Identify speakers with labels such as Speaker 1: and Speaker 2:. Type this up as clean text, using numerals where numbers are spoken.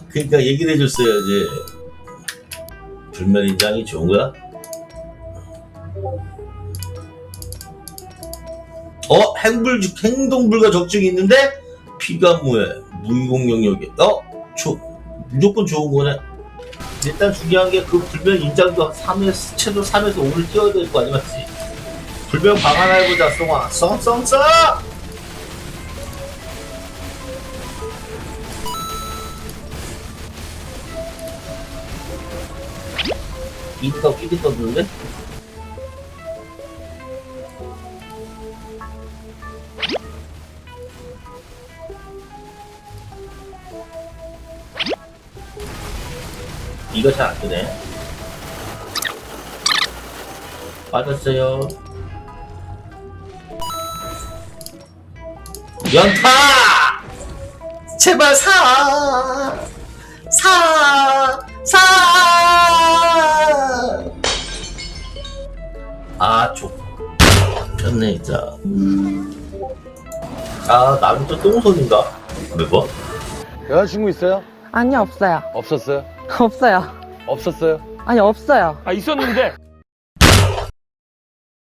Speaker 1: 그러니까 얘기를 해줬어야지. 불멸인장이 좋은 거야? 행동불가 적증이 있는데 피가 무해 무이공 영역에 무조건 좋은 거네. 일단 중요한 게 그 불멸 인장도 3에서 최소 3에서 5를 띄워야 될 거 아니 맞지? 불멸 방 하나 해보자. 송아 썽썽썽. 이드가 끼리 떴는데? 이거 잘 안 뜨네. 빠졌어요. 연타! 제발 사! 아, 좋네, 진짜. 나는 또 똥손인가? 몇 번?
Speaker 2: 여자친구 있어요?
Speaker 3: 아니요, 없어요.
Speaker 2: 없었어요?
Speaker 3: 없어요.
Speaker 2: 없었어요?
Speaker 3: 아니, 없어요.
Speaker 4: 아, 있었는데